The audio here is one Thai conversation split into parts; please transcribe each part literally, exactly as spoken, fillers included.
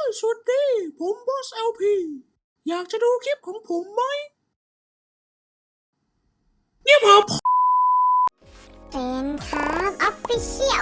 สวัสดีผมบอส แอล พี อยากจะดูคลิปของผมไหมเนี่ยผมเฟนครับออฟฟิเชียล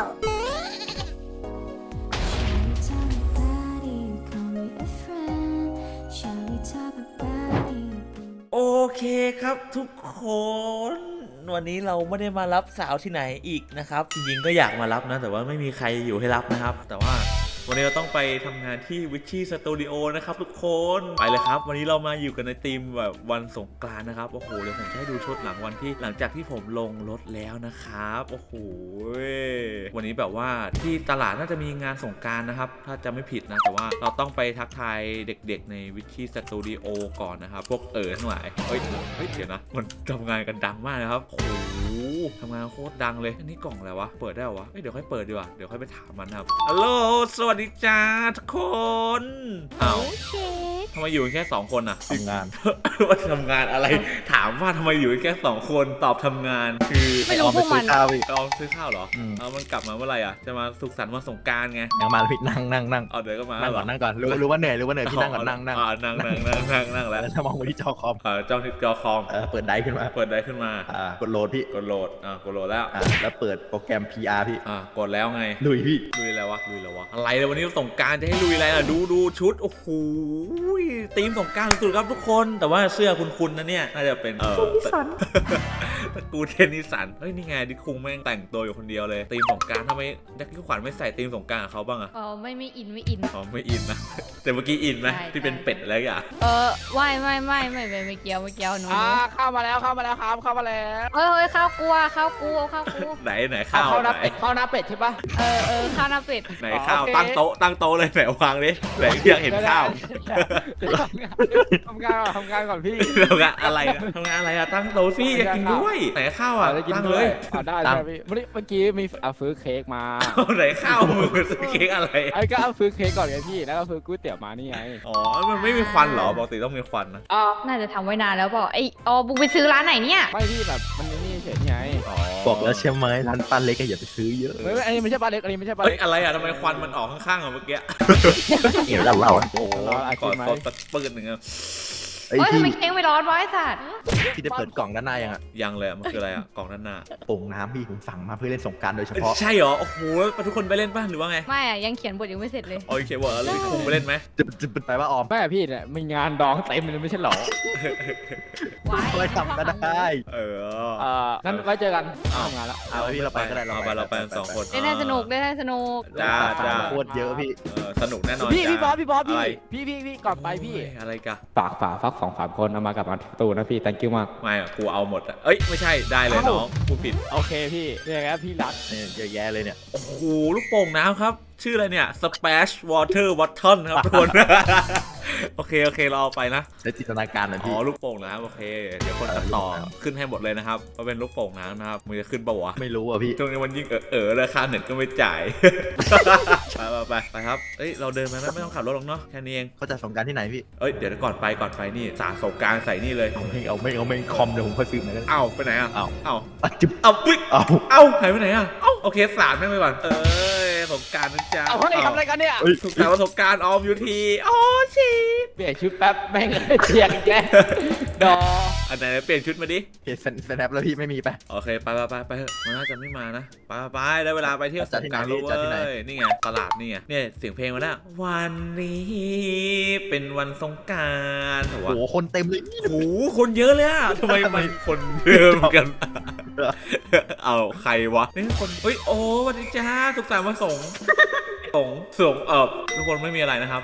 โอเคครับทุกคนวันนี้เราไม่ได้มารับสาวที่ไหนอีกนะครับจริงๆก็อยากมารับนะแต่ว่าไม่มีใครอยู่ให้รับนะครับ แต่ว่าวันนี้เราต้องไปทำงานที่วิชชี่สตูดิโอนะครับทุกคนไปเลยครับวันนี้เรามาอยู่กันในธีมแบบวันสงกรานต์นะครับโอ้โหเดี๋ยวผมจะให้ดูชุดหลังวันที่หลังจากที่ผมลงรถแล้วนะครับโอ้โหวันนี้แบบว่าที่ตลาดน่าจะมีงานสงกรานต์นะครับถ้าจะไม่ผิดนะแต่ว่าเราต้องไปทักทายเด็กๆในวิชชี่สตูดิโอก่อนนะครับพวกเอ๋อทั้งหลายเฮ้ยเฮ้ยเดี๋ยวนะมันทำงานกันดังมากนะครับโอ้โหทำงานโคตรดังเลยอันนี้กล่องอะไรวะเปิดได้เหรอวะเดี๋ยวค่อยเปิดดีกว่าเดี๋ยวค่อยไปถามมันครับฮัลโหลสวัสดีจ้าทุกคนอ้าวทำไมอยู่แค่สองคนอะทำงานว่าทำงานอะไรถามว่าทำไมอยู่แค่สองคนตอบทำงานคือไม่รู้พวกมันลองซื้อข้าวเหรอเอามันกลับมาเมื่อไหร่อ่ะจะมาสุขสันต์วันสงกรานต์ไงยังมาพี่นั่งนั่งนั่งเอาเดี๋ยวก็มานั่งก่อนนั่งก่อนรู้รู้ว่าเหนื่อยรู้ว่าเหนื่อยพี่นั่งก่อนนั่งนั่งนั่งนั่งนั่งนั่งนั่งแล้วถ้ามองไปที่จอคอมเออจ้องที่จอคอมเปิดไดขึ้นมาเปิดไดขึ้นมาอ่ากดโหลดพี่กดโหลดอ่ากดโหลดแล้วอ่าแล้วเปิดโปรแกรม พี อาร์ พี่อ่ากดแล้วไงลุยพี่ลุยแล้ววะลุยแล้ววะอะไรเลยวันนี้สงกรานต์จะให้ลุยอะไรล่ะดูดูชุดโอ้โหธีมสงกรานต์สุดๆครับทุกคนแต่ว่าเสื้อคุณๆนะเนี่ยน่าจะเป็นเออตระกูลเทนนิสันเฮ้ยนี่ไงดิคุงแม่งแต่งตัวอยู่คนเดียวเลยธีมสงกรานต์ทำไมยักษ์ขวัญไม่ใส่ธีมสงกรานต์กับเขาบ้างอะอ๋อไม่ไม่อินไม่อินอ๋อไม่อินนะแต่เมื่อกี้อินไหมที่เป็นเป็ดอะไรอย่างเออไม่ไม่ไม่ไม่ไม่ไม่เกี่ยวไม่เกี่ยวหนูอ่าเข้ามาแล้วเข้ามาแล้วครับเข้ามาแล้วเฮ้ยเฮ้ยข้าวกลัวข้าวกูเอาข้าวกูไหนไหนข้าวไหนข้าวหน้าเป็ดใช่ปะเออเออข้าวหน้าเป็ดไหนข้าวตั้งโต๊ะตั้งโต๊ะเลยไหนวางดิไหนอยากเห็นข้าวทำงานก่อนทำงานก่อนพี่ทำงานอะไรทำงานอะไรอะตั้งโต๊ะสิอยากกินด้วยไหนข้าวอะตั้งเลยได้ใช่พี่เมื่อกี้มีเอาซื้อเค้กมาไหนข้าวมือซื้อเค้กอะไรไอ้ก็เอาซื้อเค้กก่อนไงพี่แล้วก็ซื้อก๋วยเตี๋ยวมานี่ไงอ๋อมันไม่มีควันเหรอปกติต้องมีควันนะอ๋อน่าจะทำไว้นานแล้วเปล่าไอ้อ๋อบุกไปซื้อร้านไหนเนี่ยไม่พี่แบบมันนี่เฉยไงบอกแล้วใช่ไหมร้านป้าเล็กอย่าไปซื้อเยอะไม่อันนี้ไม่ใช่ป้าเล็กอันนี้ไม่ใช่ป้าเล็กอะไรอะทำไมควันมันออกข้างๆอะเมื่อกี้เดี๋ยวเราเล่าโอ้โหก่อนเขาตะปืนหนึ่งอะเฮ้ยทำไมเค้กไม่ร้อนวะไอ้สัตว์พี่ได้เปิดกล่องด้านหน้ายังอ่ะยังเลยมันคืออะไรอ่ะกล่องด้านหน้าโป่งน้ำพี่ผมสั่งมาเพื่อเล่นสงกรานต์โดยเฉพาะใช่เหรอโอ้โหทุกคนไปเล่นป่ะหรือว่าไงไม่อะยังเขียนบทยังไม่เสร็จเลยโอเคบทแล้วคุงไปเล่นไหมจะจะไปว่าออมไม่พี่เนี่ยมีงานดองเต็มเลยไม่ใช่หรอไว้ทำก็ได้เออเอองั้นไว้เจอกันทำงานแล้วเอาพี่เราไปก็ได้เราไปเราไปสองคนได้สนุกได้สนุกจ้าจ้าโคตรเยอะพี่สนุกแน่นอนพี่พี่บอสพี่บอสพี่พี่พี่พี่ก่อนไปพี่อะไรกันฝากฝากฟักสองสามคนเอามากับมาตูนะพี่ thank you มากไม่อะกูเอาหมดอะเอ้ยไม่ใช่ได้เลยน้องกูผิดโอเคพี่เนี่ยครับพี่รักเนี่ยเยอะแยะเลยเนี่ยโอ้โหลูกโป่งน้ำครับชื่ออะไรเนี่ย Splash Water Bottle ครับทุกคนโอเคโอเคเราเอาไปนะในจินตนาการนะพี่อ๋อลูกโป่งน้ำโอเคเดี๋ยวคนตัดต่อขึ้นให้หมดเลยนะครับว่าเป็นลูกโป่งน้ำนะครับมันจะขึ้นปะวะไม่รู้อ่ะพี่ช่วงนี้มันยิ่งเออเออราคาเน็ตก็ไม่จ่ายไปไปไปครับเอ้ยเราเดินไปไม่ต้องขับรถหรอกเนาะแค่นี้เองเขาจะสงกรานต์ที่ไหนพี่เอ้ยเดี๋ยวก่อนไปก่อนไปนี่สาสงกรานต์ใส่นี่เลยเอาไม่เอาไม่เอาไม่คอมเดี๋ยวผมค่อยซื้อมาเอ้าไปไหนอ่ะเอ้าเอ้าจุ๊บเอาปิ๊กเอ้าเอ้าหายไปไหนอ่ะเอ้าโอเคสาดแม่งไปก่อนเอ้ยสงกรานต์นะจ๊ะเอาเฮ้ยทำอะไรกันเนี่ยสุขสันต์วันสงกรานต์ออมยูทีโอ้ชีเปลี่ยนชุดแป๊บแม่งเชียงแกดออันไหนเปลี่ยนชุดมาดิเปลี่ยนสแนปแล้วพี่ไม่มีไปโอเคไปไปไปไปมันน่าจะไม่มานะไปไปได้เวลาไปเที่ยวสงกรานต์แล้วเว้ยนี่ไงตลาดนี่ไงเนี่ยเสียงเพลงมาแล้ววันนี้เป็นวันสงกรานต์โอ้โหคนเต็มเลยโอ้โหคนเยอะเลยอะทำไมมันคนเยอะกันเอาใครวะนี่คนเฮ้ยโอ้วันนี้จ้าสุขสันต์วันสงสงสงเออทุกคนไม่มีอะไรนะครับ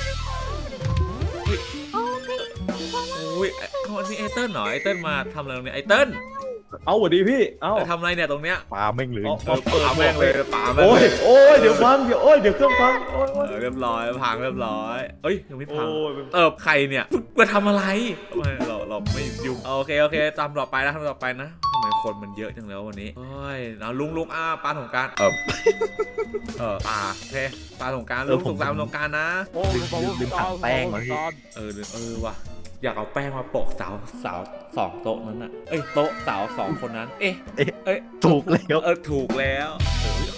อุ้ยเขาอันนี้ไอเติ้ลเหรอไอเติ้ลมาทำอะไรตรงนี้ไอเติ้ลเอาสวัสดีพี่เอาทำอะไรเนี่ยตรงเนี้ยปลาแม่งเลยปลาแม่งเลยปลาแม่งโอ้ยโอ้ยเดี๋ยวพังเดี๋ยวโอ้ยเดี๋ยวเครื่องพังโอ้ยเรียบร้อยพังเรียบร้อยเอ้ยยังไม่พังเออใครเนี่ยมาทำอะไรเราเราไม่ยุ่งโอเคโอเคตามต่อไปนะทำต่อไปนะทำไมคนมันเยอะจังแล้ววันนี้โอ้ยเอาลุงลุงอ้าปลาสงการเออเออปลาเท่ปลาสงการลุงสงการสงการนะโอ้ลืมลืมขัดแป้งมาพี่เออเออว่ะอยากเอาแป้งมาโปะสาวสาวสองโต๊ะนั้นน่ะเอ้ยโต๊ะสาวสองคนนั้นเอ๊ะเอ๊ะถูกแล้วเออถูกแล้วเออ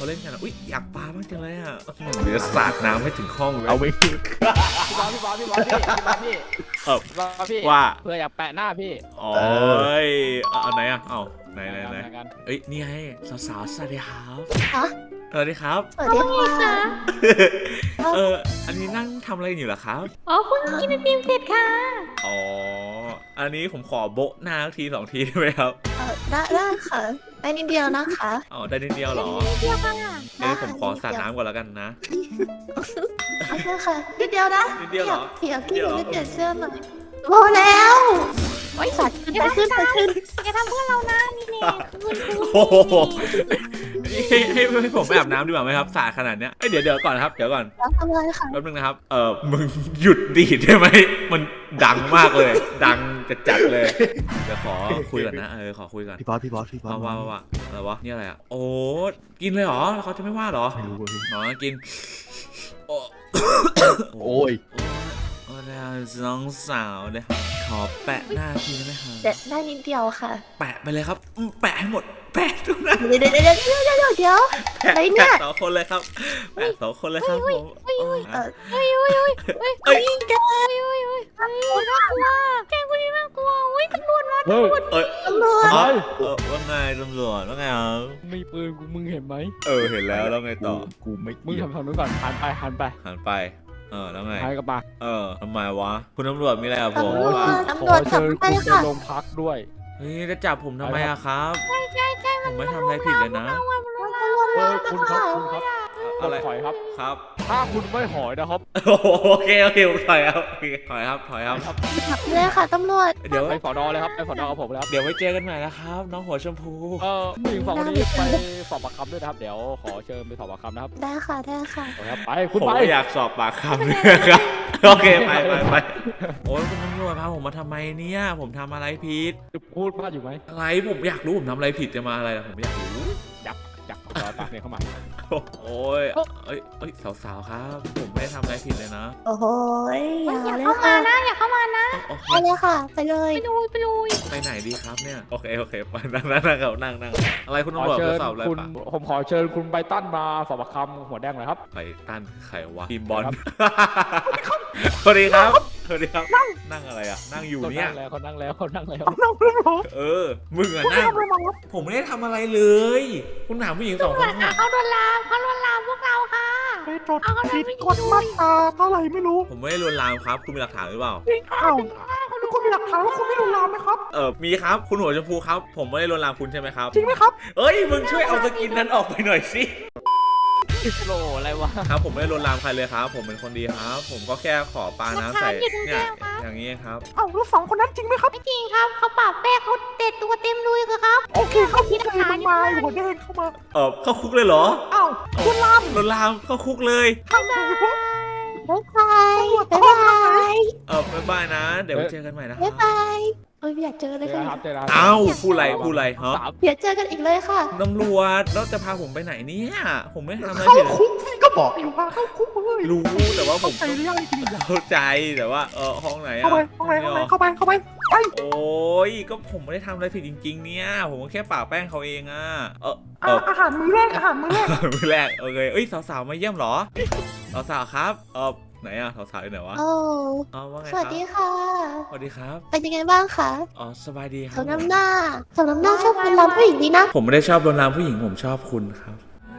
เขาเล่นกันอะอุ้ยอยากปาบ้างจังเลยอ่ะเดี๋ยวสาดน้ำให้ถึงห้องเลยเอาไม่พี่บอลพี่บอลพี่บอลพี่พี่บอลพี่เออพี่บอลพี่ว่าเพื่ออยากแปะหน้าพี่โอ้ยเอาไหนอ่ะเอาไหนไหนไหนทำงานกันเอ้ยนี่ไงสาวๆสวัสดีครับฮะสวัสดีครับสวัสดีค่ะเอออันนี้นั่งทำอะไรอยู่เหรอครับอ๋อเพิ่งกินไอติมเสร็จค่ะอ๋ออันนี้ผมขอโบะหน้าทีสองทีได้ไหมครับเออได้ได้ค่ะได้นิดเดียวนะคะอ๋อได้นิดเดียวเหรอเดียวค่ะเดี๋ยวผมขอสาดน้ำก่อนแล้วกันนะโอเคค่ะนิดเดียวนะนิดเดียวเหรอเดี๋ยวนิพี่ดเดียวเหรอไม่เปลี่ยนเสื้อหน่อยพอแล้วโอ้ยสัตว์ขึ้นไปขึ้นไปขึ้นอย่าทำเพื่อนเรานะนี่เน่คืนคืนโอ้โหให้ให้ให้ผมไปอาบน้ำดีกว่าไหมครับสาดขนาดเนี้ยเอ้ยเดี๋ยวเดี๋ยวก่อนนะครับเดี๋ยวก่อนแล้วทำอะไรค่ะแป๊บนึงนะครับเออมึงหยุดดีดได้ไหมมันดังมากเลย ดังจัดจัดๆเลยเดี๋ยวขอคุยก่อนนะเออขอคุยก่อนพี่บอสพี่บอสพี่บอสว่าว่าว่าอะไรวะนี่อะไรอ่ะโอ้กินเลยเหรอเขาจะไม่ว่าเหรอไม่รู้ว่ะพี่อ๋อกินโอ้โอ้ยโอ้แล้วน้องสาวเลยขอแปะหน้าทีได้ไหมครับเด็ดได้นิดเดียวค่ะแปะไปเลยครับอืมแปะให้หมดแปะทุกหน้าเดี๋ยวเดี๋ยวเดี๋ยวเดี๋ยวเดี๋ยวเดี๋ยวเดี๋ยวแปะอะไรเนี่ยแปะสองคนเลยครับแปะสองคนเลยครับผมเออเฮ้ยเฮ้ยเฮ้ยเฮ้ยเอ้ยแกเฮ้ยเฮ้ยเฮ้ยน่ากลัวแกคนนี้น่ากลัวอุ้ยตำรวจมาเฮ้ยเอ้ยตำรวจทำไมเออว่าไงตำรวจว่าไงครับมีปืนกูมึงเห็นไหมเออเห็นแล้วแล้วไงต่อกูไม่มึงเกี่ยวทำทางนู้นก่อนหันไปหันไปหันไปเออแล้วไงหันกลับมาเออทำไมวะคุณตำรวจมีอะไรกับผมตำรวจว่าตำรวจขอจับเชิญไปคุณไปค่ะโรงพักด้วยเฮ้ยจะจับผมทำไมอะครับใช่ใช่ใช่ผมไม่ทำอะไรผิดเลยนะเฮ้ยคุณครับคุณครับอะไรถอยครับครับถ้าคุณไม่หอยนะครับโอเคโอเคผมถอยครับโอเคถอยครับถอยครับจับเลยค่ะตำรวจเดี๋ยวไปสอนอเลยครับไปสอนอกับผมเลยครับเดี๋ยวไว้เจอกันใหม่นะครับ น้องหัวชมพูเออผู้หญิงสองคนนี้ไปสอบปากคำด้วยนะครับ เดี๋ยวขอเชิญไปสอบปากคำนะครับได้ค่ะได้ค่ะโอเคครับไปผคุณมไปก็อยากสอบปากคำเลยครับ โอเคไปไปไปโอ้ยคุณตำรวจพาผมมาทำไมเนี่ย ผมทำอะไรผิดจะพูดพลาดอยู่ไหมอะไรผมอยากรู้ผมทำอะไรผิดจะมาอะไรล่ะผมอยากรู้ยักยักรอตามเนี่ยเข้ามาโอ้ยเอ้ยเอ้ยสาวๆครับ ผมไม่ได้ทำอะไรผิดเลยนะโอ้โหอย่าอย่าเลยเข้ามาค่ะนะอย่าเข้ามานะโอเคไปเลยค่ะ ไปเลยไปดูไปดูไปไหนดีครับเนี่ยโอเคโอเคไปนั่งนั่งนั่งครับนั่งนั่งอะไรคุณขอตำรวจเชิจะญสอบอะไรคุณปะผมขอเชิญคุณไบตันมาสอบปากคำหัวแดงหน่อยครับไปต้านไขวะทีมบอลสวัสดีครับสวัสดีครับนั่งอะไรอ่ะนั่งอยู่เขาเนี่ยนั่งแล้วเขานั่งแล้วเขานั่งแล้วเออ มึงอะนั่ง ผมไม่ได้ทำอะไรเลย คุณถามผู้หญิงสองคนค่ะน่ะเขาโดนลามเขาโดนลามพวกเราค่ะไปจดผิดกฎมาตราเท่าไหร่ไม่รู้ผมไม่ได้ลวนลามครับ คุณมีหลักฐานหรือเปล่าอ้าวแล้วคุณมีหลักฐานว่าคุณไม่รู้ลามไหมครับเออ มีครับ คุณหัวชมพูครับ ผมไม่ได้ลวนลามคุณใช่ไหมครับจริงไหมครับเอ้ย มึงช่วยเอาสกินนั้นออกไปหน่อยสิโลอะไรวะครับ ผมไม่ได้ลวนลามใครเลยครับ ผมเป็นคนดีครับ ผมก็แค่ขอปาน้ำใส่ เนี่ย อย่างนี้ครับเอ้าแล้วสองคนนั้นจริงไหมครับไม่จริงครับเขาปราบแป้งเขาเด็ดตัวเต็มลุยเลยครับโอเคเข้าคุกเลยมันมาหัวแดงเข้ามาเออเข้าคุกเลยเหรอเอ้าคุณลามลวนลามเข้าคุกเลยทำไมวะบ๊ายบายบ๊ายบายเออบ๊ายบายนะ เดี๋ยวไว้เจอกันใหม่นะคบ๊ารัยบบายเอ้ยอยากเจอเลยเจอค่ะครับเจอครับเอ้าพูดอะไรพูดอะไรฮะสามเดี๋ยวเจอกันอีกเลยค่ะตำรวจแล้วจะพาผมไปไหนเนี่ย ผมไม่ทำอะไรเข้าผิดเลยคุกพี่ก็บอกอยู่ว่าเข้าคุกเลยรู้แต่ว่าผมเข้าใจหรือยังจริงๆเข้าใจแต่ว่าเออห้องไหนอะเข้าไปเข้าไปเข้าไปเข้าไปเข้าไปไปโอ้ยก็ผมไม่ได้ทำอะไรผิดจริง ๆ เนี่ย ผมก็แค่ปาแป้งเขาเองอะเออเออ่ะออาหารมื้อแรกอาหารมื้อแรกมือแรกโอเคเอ้ยสาวๆมาเยี่ยมเหรอสาวๆครับเออไหนอะสาวๆอยู่ไหนวะโอ้อ๋อว่าไงสควัรัสบดีค่ะสวัสดีครับเป็นยังไงบ้างคะอ๋อสบายดีครัสบมน้ำหน้าสมน้ำหน้าชอบคนรำผู้หญิงดีนะผมไม่ได้ชอบโดนลามผู้หญิงผมชอบคุณครับ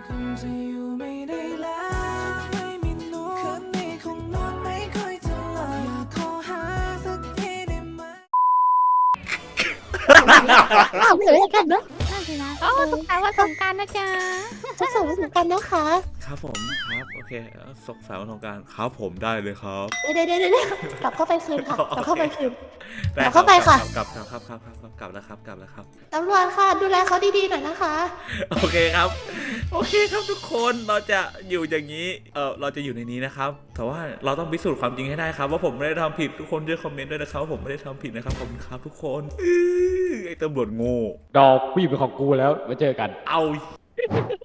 อ้าวไม่เหลือกันเนอะนั่นสินะอ๋อสุขสันต์วันสงกรานต์นะจ๊ะจะส่งไปถึงกันนะคะครับผมครับโอเคสกสาวทงการครับผมได้เลยครับเดี๋ยวเดี๋ยวเดี๋ยวกลับเข้าไปคืนค่ะ กลับเข้าไปคืนด้เอาเข้าไปค่ะกลับกลับครับครับครับครับกลับแล้วครับกลับแล้วครับตำรวจค่ะ ดูแลเขาดีๆหน่อยนะคะโอเคครับ โอเคครับทุกคนเราจะอยู่อย่างนี้เออเราจะอยู่ในนี้นะครับ แต่ว่าเราต้องพิสูจน์ความจริงให้ได้ครับ ว่าผมไม่ได้ทำผิดทุกคนช่วยคอมเมนต์ด้วยนะครับว่าผมไม่ได้ทำผิดนะครับขอบคุณครับทุกคนอื้อไอ้ตำรวจโง่ดอกผู้หญิงเป็นของกูแล้วไว้เจอกันเอา